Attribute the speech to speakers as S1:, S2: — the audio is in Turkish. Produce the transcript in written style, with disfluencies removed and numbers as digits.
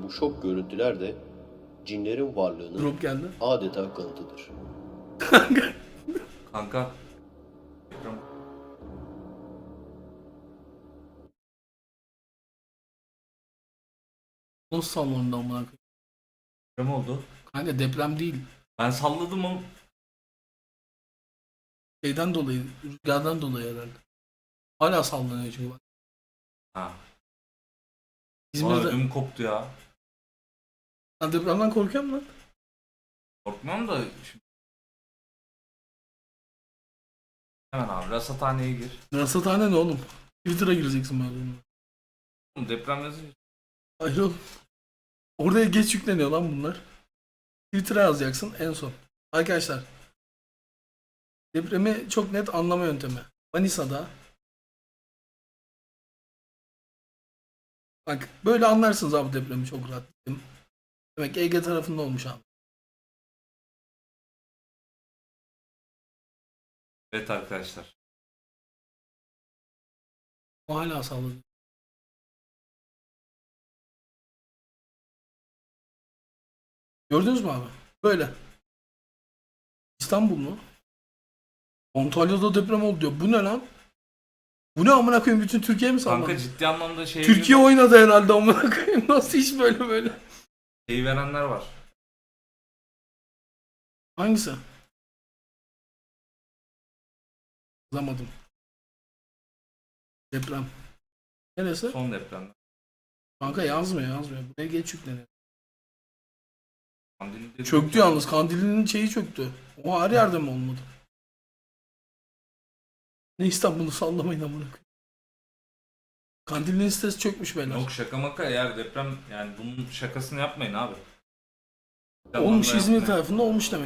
S1: bu şok görüntüler de cinlerin varlığının
S2: Drop geldi.
S1: adeta kanıtıdır.
S3: Kanka. Ekran.
S2: Nasıl sallandı amına koyayım?
S3: Deprem oldu.
S2: Kanka deprem değil.
S3: Ben salladım ama
S2: Şeyden dolayı, rüzgardan dolayı herhalde. Hala sallanıyor çünkü bak.
S3: ha. Bana
S2: İzmir'de...
S3: ödüm koptu ya.
S2: Sen depremden korkuyor musun lan?
S3: Korkmam da şimdi. Hemen abi rasathaneye gir.
S2: Rasathane ne oğlum? Twitter'a gireceksin böyle.
S3: Oğlum deprem yazıyor.
S2: Hayır oğlum. Oraya geç yükleniyor lan bunlar. Twitter'a yazacaksın en son. Arkadaşlar. Depremi çok net anlama yöntemi. Manisa'da. Bak böyle anlarsınız abi depremi çok rahat. Demek ki Ege tarafında olmuş abi.
S3: Evet arkadaşlar.
S2: O hala sallanıyor. Gördünüz mü abi? Böyle. İstanbul mu? Antalya'da deprem oldu diyor. Bu ne lan? Bu ne amına koyayım, bütün Türkiye mi sallandı?
S3: Kanka ciddi anlamda
S2: Türkiye oynadı herhalde amına koyayım. Nasıl hiç böyle?
S3: şeyi verenler var.
S2: Hangisi? Yazamadım. Deprem. Neresi?
S3: Son depremde.
S2: Kanka yazmıyor. Buraya geç yükleniyor.
S3: Kandilli
S2: Çöktü yalnız. Kandilli'nin şeyi çöktü. O her yerde mi olmadı? Ne İstanbul'u sallamayın amına koyayım. Kandilli'nin sitesi çökmüş beyler.
S3: Yok şaka maka eğer deprem yani bunun şakasını yapmayın abi.
S2: Olmuş, İzmir
S3: Yapmayın.
S2: tarafında olmuş demek.